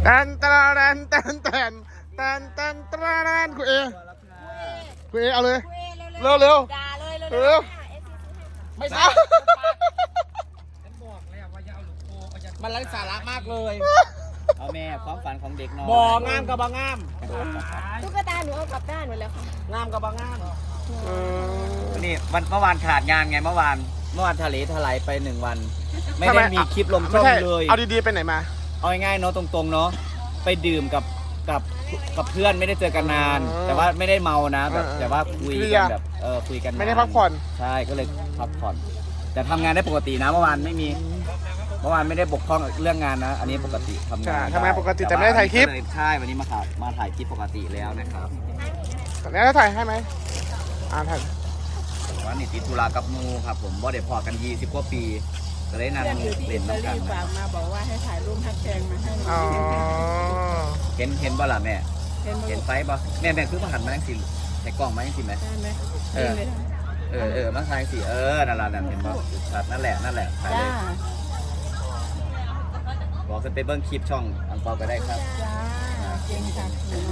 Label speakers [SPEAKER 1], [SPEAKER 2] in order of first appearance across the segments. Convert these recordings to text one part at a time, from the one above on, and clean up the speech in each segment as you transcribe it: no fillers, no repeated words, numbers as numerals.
[SPEAKER 1] ตันตันตันตันตันตันตันคุณเอเอาเลยเร็วเร็ว
[SPEAKER 2] ด่าเลย
[SPEAKER 1] เร็ว
[SPEAKER 3] ไม่ใช่ฉันบอกแล้วว่าอย่าเอาลูกโป่งมันไร้สาระมากเลย
[SPEAKER 4] เอาแม่ความฝันของเด็กน้อย
[SPEAKER 3] บ่งามกับบางาม
[SPEAKER 2] ตุ๊กตาหนูเอากลับบ้านหมดแล้วค่ะ
[SPEAKER 3] งามกับบางาม
[SPEAKER 4] นี่เมื่อวานขาดงานไงเมื่อวานทะเลถลายไป1 วันไม่ได้มีคลิปลงช่องเลย
[SPEAKER 1] เอาดีๆไปไหนมา
[SPEAKER 4] เอาง่ายๆเนาะตรงๆเนาะไปดื่มกับเพื่อนไม่ได้เจอกันนานแต่ว่าไม่ได้เมานะแบบแต่ว่าคุยกันแบบคุยกัน
[SPEAKER 1] ไม่ได้พักผ่อน
[SPEAKER 4] ใช่ก็เลยพักผ่อนแต่ทำงานได้ปกตินะเมื่อวานไม่มีเมื่อวานไม่ได้บกพร่องเรื่องงานนะอันนี้ปกติทำงาน
[SPEAKER 1] ปกติแต่ไม่ได้ถ่ายคลิป
[SPEAKER 4] ใช่วันนี้มาถ่ายคลิปปกติแล้วนะครับ
[SPEAKER 1] แล้วถ่ายให้ไหมถ่าย
[SPEAKER 4] วันนี้ติดธุระกับมูครับผมบ่ได้พอกัน20 กว่าปีก็เลยนั่งเล่นน้ำกัน
[SPEAKER 2] ฝากมาบอกว่าให้ถ่ายรูปฮักแพงมาให้
[SPEAKER 4] เห็นบ่ล่ะแม่เห็นไฟบ่แม่คือมาหันมาจังสิใส่กล้องมาจังสิแม่มาถ่ายสินั่นล่ะนั่นเห็นบ่ชัดนั่นแหละถ่ายเลยบอกจะไปเบิ้งคลิปช่องอังเปาก็ได้ครับ
[SPEAKER 2] เก่งค่ะ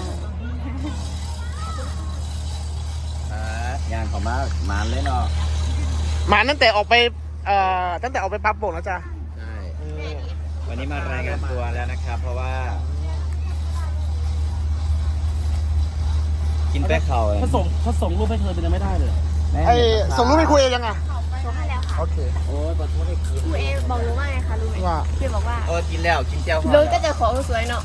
[SPEAKER 4] งานของมาเลยเนาะ
[SPEAKER 1] มาตั้งแต่ออกไปปั๊บโป่งแล้วจ้ะ
[SPEAKER 4] ใช่วันนี้มารายงานตัวแล้วนะครับเพราะว่ากินแป้งเข่าเลย
[SPEAKER 3] เขาส่งรูปให้เธอเป็นยังไม่ได้เลย
[SPEAKER 1] ส่งรูปให้คุยยังไง
[SPEAKER 2] ส่งให้แล้วค่ะ
[SPEAKER 1] โอเค
[SPEAKER 4] โอ้ยขอโทษให้กิน
[SPEAKER 2] ครูเอบอกรู้ว่าไงคะรู้ไหมพี่บอกว่า
[SPEAKER 4] กินแล้วกินเจ้า
[SPEAKER 2] ลุงก็จะของสวยเนาะ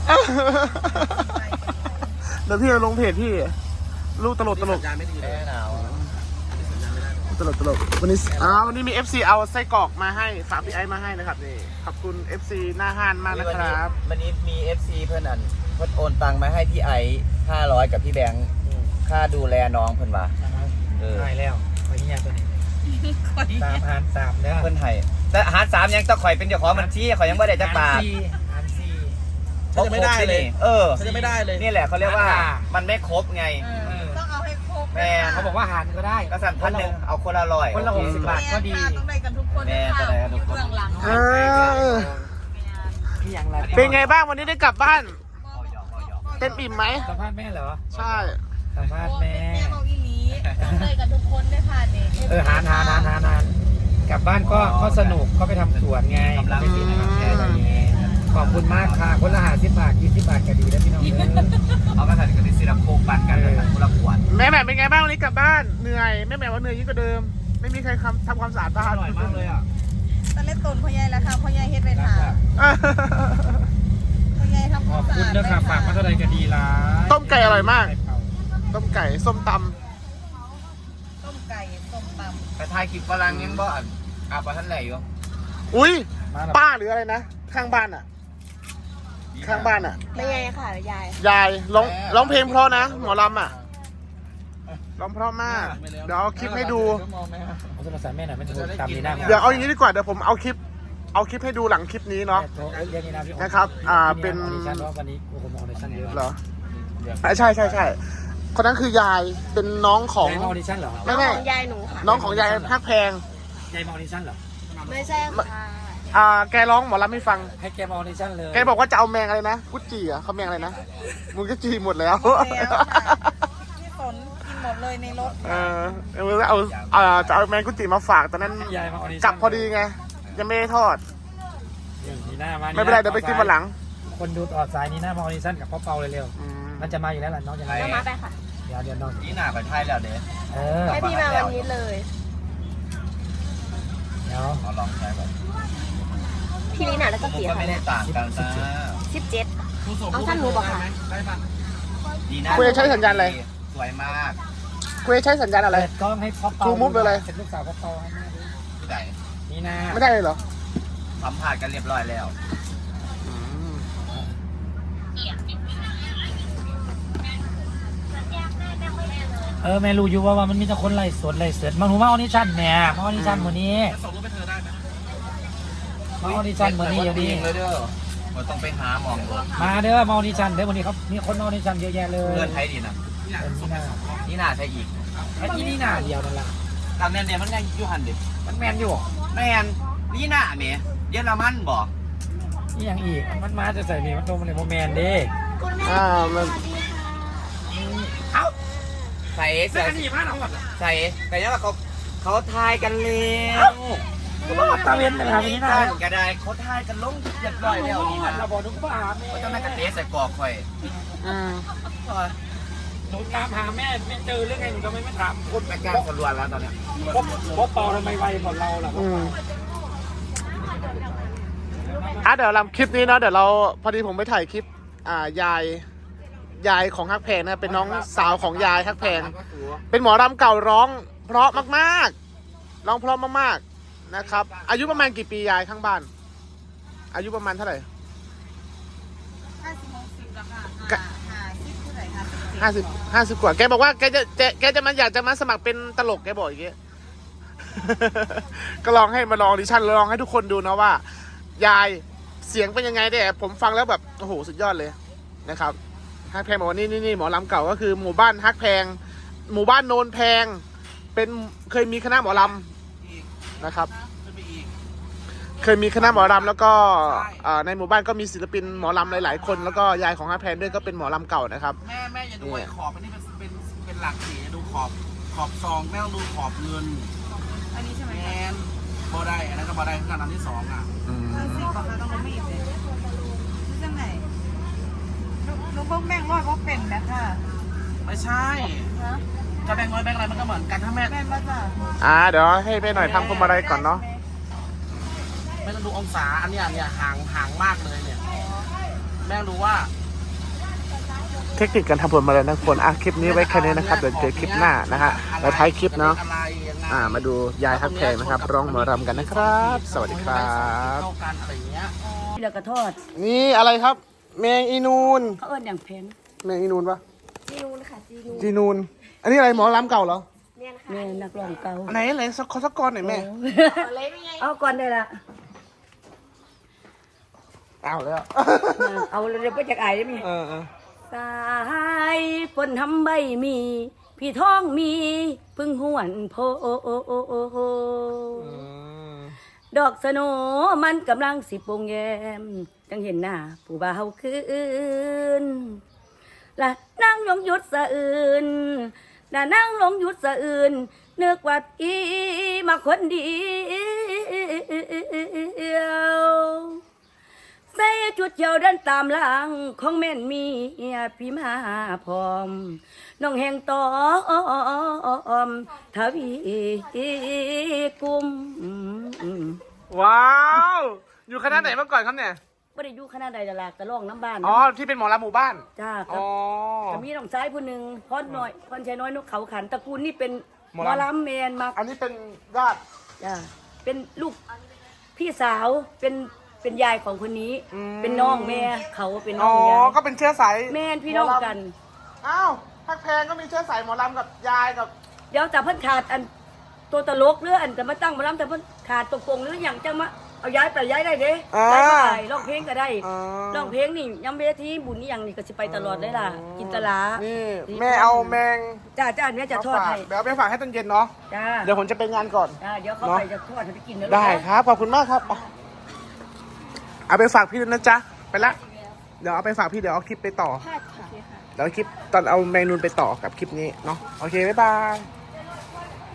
[SPEAKER 1] เดี๋ยวพี่ลงเพจพี่ลูกตลก
[SPEAKER 4] ไม่ดีเลยหนาว
[SPEAKER 1] ตลกวันนี้มี FC เอาไส้กรอกมาให้ฝากพี่ไอซ์มาให้นะครับนี่ขอบคุณ FC หน้าห้านมากนะครับ
[SPEAKER 4] วันนี้มี FC เพื่อนโอนตังมาให้พี่ไอซ์500กับพี่แบงค์ค่าดูแลน้องเพื่อนว่า
[SPEAKER 3] ได้แล้วไปเนี่ยตัวนี้3 เนี่ย
[SPEAKER 4] เพื่อนไทยแต่หาร3ยังต้องข่อยเป็นเจ้าของบัญชีข่อยยังไม่ได้จักบาท
[SPEAKER 3] หาร4
[SPEAKER 4] จะไม่ได้เลย
[SPEAKER 3] จะไม่ได้เลย
[SPEAKER 4] นี่แหละเขาเรียกว่ามันไม่ครบไง
[SPEAKER 2] ต้องเอาให้ครบ
[SPEAKER 4] แม่
[SPEAKER 3] เขาบอกว่าหารก็ได้
[SPEAKER 4] ก็สั่ง1,000เอาคนละ100
[SPEAKER 3] คนละ60 บาทก็ดี
[SPEAKER 2] ต้องได้กันทุกคน
[SPEAKER 4] แม่จะได้กันทุกคน
[SPEAKER 1] เป็นไงบ้างวันนี้ได้กลับบ้านเต็มอิ่มไหม
[SPEAKER 3] สัมภาษณ์แม่เหรอ
[SPEAKER 1] ใช่
[SPEAKER 3] สัมภาษณ์แม่
[SPEAKER 2] บอกอีหลีต้องได้กันทุกคนได้ค่ะเนี่ย
[SPEAKER 3] หารกลับบ้านก็สนุกก็ไปทำสวนไงไม่ติดนะครับแค่นี้ขอบคุณมากค่ะคนละ50 บาท20 บาทก็ดีแล้วพี่น้อง
[SPEAKER 4] เอาก็ถ่ายกันที่ศิลปโคกปั่นกันเลยคนละขวด
[SPEAKER 1] แม่เป็นไงบ้างวันนี้กลับบ้านเหนื่อยแม่ว่าเหนื่อยยิ่งกว่าเดิมไม่มีใครทำความสะอาดบ้าน
[SPEAKER 3] อร่อยมากเลยอ่ะ
[SPEAKER 2] ตอนเล่นต้นพ่อใหญ่แล้วค่ะพ่อใหญ่เฮ็ดไปถามพ่อใหญ่ทำความสะอาด
[SPEAKER 3] ขอบคุณเด้อค่ะฝากมาเท่าไรก็ดีละ
[SPEAKER 1] ต้มไก่อร่อยมากต้มไก่ส้มตำ
[SPEAKER 4] แต่ทายคลิปฝรั่งยังบ่อาบท่านไหนอยู่
[SPEAKER 1] อุ้ยป้าหรืออะไรนะข้างบ้านอ่ะ
[SPEAKER 2] ไม่ไงค่ะ
[SPEAKER 1] ยายร้องเพลงเพราะนะหมอลำอ่ะร้องเพราะมากเดี๋ยวเอาคลิปให้ดู
[SPEAKER 3] เอาโทรศัพท์แม่หน่อยมันจะตามนี้นะ
[SPEAKER 1] เดี๋ยวเอาอย่างนี้ดีกว่าเดี๋ยวผมเอาคลิปให้ดูหลังคลิปนี้เนาะนะครับเป็น
[SPEAKER 3] วันนี้ผมออดิชั่นเยอะ
[SPEAKER 1] เหรอใช่คนนั้นคือยายเป็นน้องของ
[SPEAKER 3] ออดิชั่นเหรอ
[SPEAKER 2] ไม่ยายหนูค่ะ
[SPEAKER 1] น้องของยายฮักแพง
[SPEAKER 3] ยายออดิชั่นเหรอ
[SPEAKER 2] ไม่ใช่ค่ะ
[SPEAKER 1] แกร้องหมอลำไม่ฟัง
[SPEAKER 3] ให้แกออดิชั่นเลย
[SPEAKER 1] แกบอกว่าจะเอาแมงอะไรนะกุจิอ่ะเขาแมงอะไรนะมึงก็จีหมดแล้ว
[SPEAKER 2] พี่ฝนกินหมดเลยในรถ
[SPEAKER 1] จะเอาแมงกุจิมาฝากตอนนั้นกลับพอดีไงยังไม่ได้ทอดไม่เป็นไรเดี๋ยวไปกินวันหลัง
[SPEAKER 3] คนดูต่อสายนี้หน้ามาออดิชั่นกับพ่อเปาเร็วมันจะมาอยู่แล้วล่ะน้องจะ
[SPEAKER 2] มาไปค่ะ
[SPEAKER 3] เดี๋ยวน้อง
[SPEAKER 4] นี่หน้าไปไทยแล้วเด้
[SPEAKER 2] ให้พี่มาวันนี้เลย
[SPEAKER 3] เดี๋ยว
[SPEAKER 4] ลองใช้ก่อน
[SPEAKER 2] พี่ลีน่าแล้วก็เตี๋ย
[SPEAKER 4] ไม่ได้ต่างกันนะ
[SPEAKER 2] 17เอาสั้นหนูบอกค่ะ
[SPEAKER 1] คุยใช้สัญญาณอะไร
[SPEAKER 4] สวยมาก
[SPEAKER 1] คุยใช้สัญญาณอะไร
[SPEAKER 3] ก็ให้พ่อเปา
[SPEAKER 1] ทูมุฟเลย
[SPEAKER 3] เป็นลูกสาวพ่อเปาให้แม่ดู
[SPEAKER 4] ที่ไหน
[SPEAKER 3] นี่นะ
[SPEAKER 1] ไม่ได้เลยเหรอ
[SPEAKER 4] สัมผัสกันเรียบร้อยแล้ว
[SPEAKER 3] แม่รู้อยู่ว่ามันมีแต่คนไล่สดมาหนูมาออดิชั่นแม่มาออดิชั่นวันนี้ส่งรูปไปเธอได้ไหมมาออดิชั่นวันนี้อย่างนี้
[SPEAKER 4] เลยเด้อมันต้องไปหาหมอง
[SPEAKER 3] มาเด้อมาออดิชั่นเด้อวันนี้เขามีคนออดิชั่นเยอะแยะเลย
[SPEAKER 4] เงินไทยดีนะนี่น่าใช่อีก
[SPEAKER 3] ไอ้ที่นี่น่าเดียวนั่นแหละ
[SPEAKER 4] ทางแมนเดียมันยังอยู่หันเด็ก
[SPEAKER 3] มันแมนอยู่
[SPEAKER 4] แมนนี่น่าเมียเยอรมันบอก
[SPEAKER 3] นี่ยังอีกมันมาจะใส่นี่มันโดนมันเลยโมแมนเด้
[SPEAKER 1] มัน
[SPEAKER 3] เอ้า
[SPEAKER 4] ใส่
[SPEAKER 3] เสื้อกันหนีมาเอาหมด
[SPEAKER 4] ใส่แต่ยังว่าเขาทายกันแล้ว
[SPEAKER 3] ก็บอกตาเวนนะครับนี่นะ
[SPEAKER 4] ก็ได้เขาทายกันลงเรียบร้อยแล้วนี่นะ
[SPEAKER 3] เราบอกทุกบ้าน
[SPEAKER 4] เขาจะไม่กระเตะใส่กรอกข่อย
[SPEAKER 3] หนูตามหาแม่ไม่เจอเรื่องไงหนูทำไมไม่ถามคน
[SPEAKER 4] ไปกลางสรวนแล้วตอนเนี้ย
[SPEAKER 3] พบเปาทำไมไวกว่าเราล่ะ
[SPEAKER 1] เดี๋ยวทำคลิปนี้เนาะเดี๋ยวเราพอดีผมไปถ่ายคลิปยายของฮักแพงนะเป็นน้องสาวของยายฮักแพงเป็นหมอรำเก่าร้องเพราะมากๆร้องเพราะมากๆนะครับอายุประมาณกี่ปียายข้างบ้าน อายุประมาณเท่าไหร่
[SPEAKER 2] 50-60แล้วค่ะ50เท่าไหร่ค่ะ
[SPEAKER 1] 50กว่าแกบอกว่าแกจะมันอยากจะมาสมัครเป็นตลกแกบอกอย่างเงี้ย ก็ลองให้มาลองออดิชั่นลองให้ทุกคนดูนะว่ายายเสียงเป็นยังไงแต่ผมฟังแล้วแบบโอ้โหสุดยอดเลยนะครับฮักแพงบอกว่านี่หมอลำเก่าก็คือหมู่บ้านฮักแพงหมู่บ้านโนนแพงเป็นเคยมีคณะหมอลำนะครับเคยมีคณะหมอลำแล้วก็ในหมู่บ้านก็มีศิลปินหมอลำหลายๆคนแล้วก็ยายของฮักแพงด้วยก็เป็นหมอลำเก่านะครับ
[SPEAKER 5] แม่อย่าดูไอ้ขอบอันนี้เป็นหลักสีอย่าดูขอบซองแม่ต้องดูขอบเงิน
[SPEAKER 2] อันนี้ใช่ไหม
[SPEAKER 5] แมนบอได้อันนั้นก็บอได้ขนาดที่สองอ่ะ
[SPEAKER 2] 50บอกค่ะต้องลงไม่อีกเลยนี่จังไหนหนูพวกแม่งร้อยพวกเป็นนะค่ะ
[SPEAKER 5] ไม่ใช่
[SPEAKER 2] ฮะ
[SPEAKER 5] จะแบ่งน้อยแบ่งอะไรมันก็เหมือนกันถ้าแม่
[SPEAKER 2] แม่มาจ้ะ
[SPEAKER 1] เดี๋ยวให้แม่หน่อยทำพวงมาลัยก่อนเนาะ
[SPEAKER 5] ไม่ต้องดูองศาอันเนี้ยห่างมากเลยเนี่ยแม่รู้ว่า
[SPEAKER 1] เทคนิคการทำพวงมาลัยนะทุกคนคลิปนี้ไว้แค่นี้นะครับเดี๋ยวเจอคลิปหน้านะฮะแล้วท้ายคลิปเนาะ
[SPEAKER 5] อะไรยังไง
[SPEAKER 1] มาดูยายฮักแพงนะครับร้องหมอรำกันนะครับ สวัสดีครับ
[SPEAKER 5] เข้ากันอะไรอย่างเงี้ย
[SPEAKER 6] แล้วก็ทอด
[SPEAKER 1] นี่อะไรครับ แมงอีนูน
[SPEAKER 6] เขาเอิ้นอย่างเพน
[SPEAKER 1] แมงอีนูนปะ
[SPEAKER 7] จีนูนค่ะจีนูน
[SPEAKER 1] จีนูน อันนี้อะไรหมอรำเก่าเหรอ
[SPEAKER 7] เนี่ยนะคะ
[SPEAKER 6] แม่นักร้องเก่า
[SPEAKER 1] ไหนสักกรหน่อยแม่
[SPEAKER 7] เอาเลยไม่ไง
[SPEAKER 6] เอาก่อนได้ละ
[SPEAKER 1] เอาแล้ว
[SPEAKER 6] เอาเดี๋ยวไปจากไอ้ได้ไหม สายฝนทำใบมี พี่ท้องมีพึ่งหวนโพดอกสโนมันกำลังสิปงแยมจังเห็นหน้าผู้บ่าวคืนละนั่งลงหยุดสะอื่นนั่งลงหยุดสะอื่นนึกว่าอีมาคนเดียวใส่จุดเจียวเดินตามหลังของแม่นมีพี่มาพร้อมน้องแห่งตอมทวีกุม
[SPEAKER 1] ว้าว อยู่คณะไหนมาก่อนครับเนี่ย
[SPEAKER 6] บ่ได้อยู่คณะใดดาราก็ร้องน้ำบ้าน
[SPEAKER 1] อ๋อ ที่เป็นหมอรำหมู่บ้าน
[SPEAKER 6] จ้าครั
[SPEAKER 1] อ๋
[SPEAKER 6] บ
[SPEAKER 1] อ
[SPEAKER 6] ก็มีน้องชายผู้หนึ่งพรน้อยพรชัยน้อยนกเขาขันตระกูลนี่เป็น
[SPEAKER 1] ห
[SPEAKER 6] ห
[SPEAKER 1] ม
[SPEAKER 6] ม
[SPEAKER 1] อ
[SPEAKER 6] อ
[SPEAKER 1] ลำ
[SPEAKER 6] ลำแมนมา
[SPEAKER 1] อันนี้เป็นญาติ
[SPEAKER 6] จ้าเป็นลูกพี่สาวเป็นยายของคนนี้
[SPEAKER 1] อืม
[SPEAKER 6] เป็นน้องแม่เขาเป็นน้
[SPEAKER 1] อ๋
[SPEAKER 6] อ
[SPEAKER 1] อ
[SPEAKER 6] งยาย
[SPEAKER 1] ก็เป็นเชื้อสาย
[SPEAKER 6] แม่นพี่น้องกัน
[SPEAKER 1] อ้าวฮักแพงก็มีเชื้อสายหมอรำกับยายกับ
[SPEAKER 6] เดี๋ยวแต่เพิ่นขาดอันตัวตลกหรืออันจะมาตั้งหมาลำแต่เพิ่นขาดตัวโกงหรืออย่างจะมาเอาย้ายไปย้ายได้เด้ย้ายไปร้องเพลงก็ได้ร้องเพลงนี่ย้ำเวทีบุญนี่อย่างนี่ก็สิไปตลอดเลยล่ะกินตลา
[SPEAKER 1] นี่แม่เอาแมง
[SPEAKER 6] จ้าเนี่ยจะทอดให้
[SPEAKER 1] เดี๋ยวเอาไปฝากให้ตอนเย็นเนาะ
[SPEAKER 6] จ้า
[SPEAKER 1] เดี๋ยวผมจะไปงานก่อน
[SPEAKER 6] เดี๋ยวเขาไปจะทอดให้ไปกินนะลูก
[SPEAKER 1] ได้ครับ ขอบคุณมากครับ เอาไปฝากพี่ด้วยนะจ๊ะ ไปละ เดี๋ยวเอาไปฝากพี่เดี๋ยวเอาคลิปไปต่อ
[SPEAKER 7] พาดค่ะ
[SPEAKER 1] เดี๋ยวเอาคลิปตอนเอาแมงนูนไปต่อกับคลิปนี้เนาะ โอเค บ๊ายบาย